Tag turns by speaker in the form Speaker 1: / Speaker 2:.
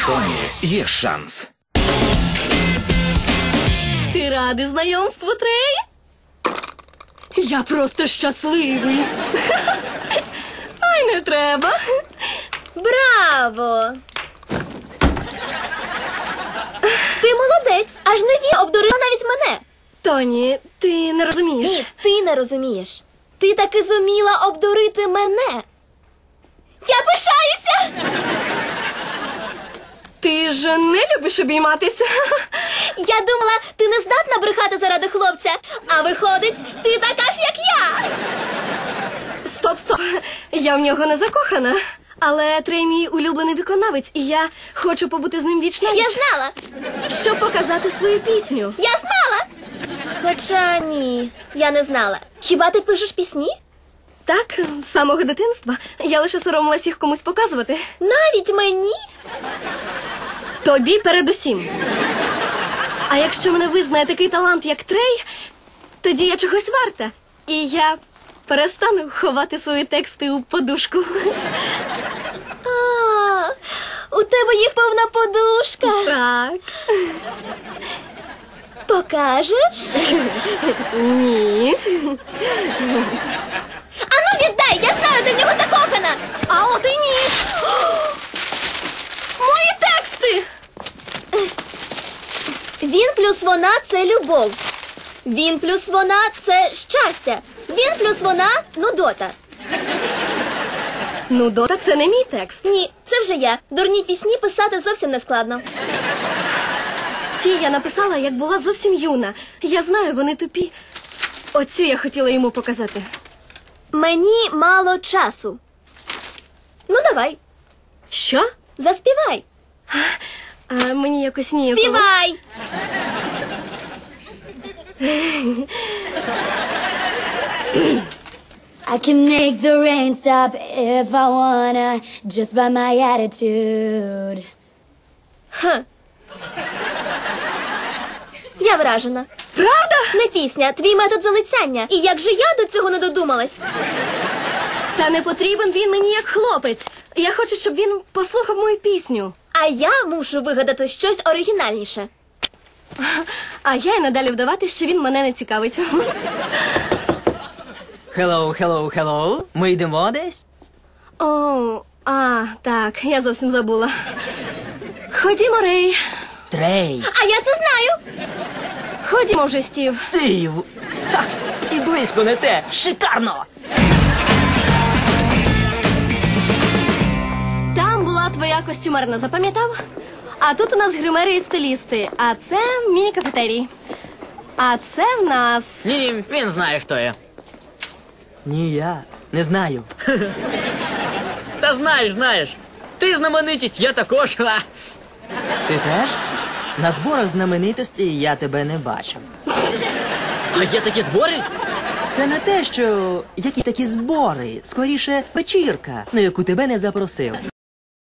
Speaker 1: Соні є шанс.
Speaker 2: Ти радий знайомству, Трей? Я просто щасливий. Ай, не треба.
Speaker 3: Браво! Ти молодець, аж Неві обдурила навіть мене.
Speaker 2: Тоні, ти не розумієш.
Speaker 3: Ні, ти не розумієш. Ти таки зуміла обдурити мене. Я пишаюся!
Speaker 2: Ти ж не любиш обійматися.
Speaker 3: Я думала, ти не здатна брехати заради хлопця, а виходить, ти така ж, як я.
Speaker 2: Стоп. Я в нього не закохана. Але Трей мій улюблений виконавець, і я хочу побути з ним вічно.
Speaker 3: Я знала.
Speaker 2: Щоб показати свою пісню.
Speaker 3: Я знала. Хоча ні, я не знала. Хіба ти пишеш пісні?
Speaker 2: Так, з самого дитинства. Я лише соромилась їх комусь показувати.
Speaker 3: Навіть мені?
Speaker 2: Тобі передусім. А якщо мене визнає такий талант, як Трей, тоді я чогось варта. І я перестану ховати свої тексти у подушку.
Speaker 3: А, у тебе їх повна подушка.
Speaker 2: Так.
Speaker 3: Покажеш?
Speaker 2: Ні.
Speaker 3: Ану віддай, я знаю, ти в нього закохана.
Speaker 2: А от і ні. Мої тексти!
Speaker 3: Він плюс вона – це любов. Він плюс вона – це щастя. Він плюс вона – нудота.
Speaker 2: Нудота – це не мій текст.
Speaker 3: Ні, це вже я. Дурні пісні писати зовсім не складно.
Speaker 2: Ті я написала, як була зовсім юна. Я знаю, вони тупі. Оцю я хотіла йому показати.
Speaker 3: Мені мало часу. Ну, давай,
Speaker 2: Що?
Speaker 3: заспівай.
Speaker 2: А мені якось ніяково.
Speaker 3: Співай!
Speaker 4: I can make the rain stop if I wanna, just by my attitude.
Speaker 3: Я вражена.
Speaker 2: Правда?
Speaker 3: Не пісня, твій метод залицяння. І як же я до цього не додумалась?
Speaker 2: Та не потрібен він мені як хлопець. Я хочу, щоб він послухав мою пісню.
Speaker 3: А я мушу вигадати щось оригінальніше.
Speaker 2: А я й надалі вдавати, що він мене не цікавить.
Speaker 5: Hello. Ми йдемо десь?
Speaker 2: О, так, я зовсім забула. Ходімо, Рей.
Speaker 5: Трей.
Speaker 3: А я це знаю!
Speaker 2: Ходімо вже, Стів.
Speaker 5: Стив. Ха, і близько не те. Шикарно.
Speaker 2: Там була твоя костюмерна, запам'ятав? А тут у нас гримери і стилісти, а це міні-кафетерій. А це в нас...
Speaker 6: Ні, він знає, хто я.
Speaker 5: Ні, я не знаю.
Speaker 6: Та знаєш. Ти знаменитість, я також. Ха.
Speaker 5: Ти теж? На зборах знаменитостей я тебе не бачив.
Speaker 6: А є такі збори?
Speaker 5: Це не те, що якісь такі збори, скоріше вечірка, на яку тебе не запросив.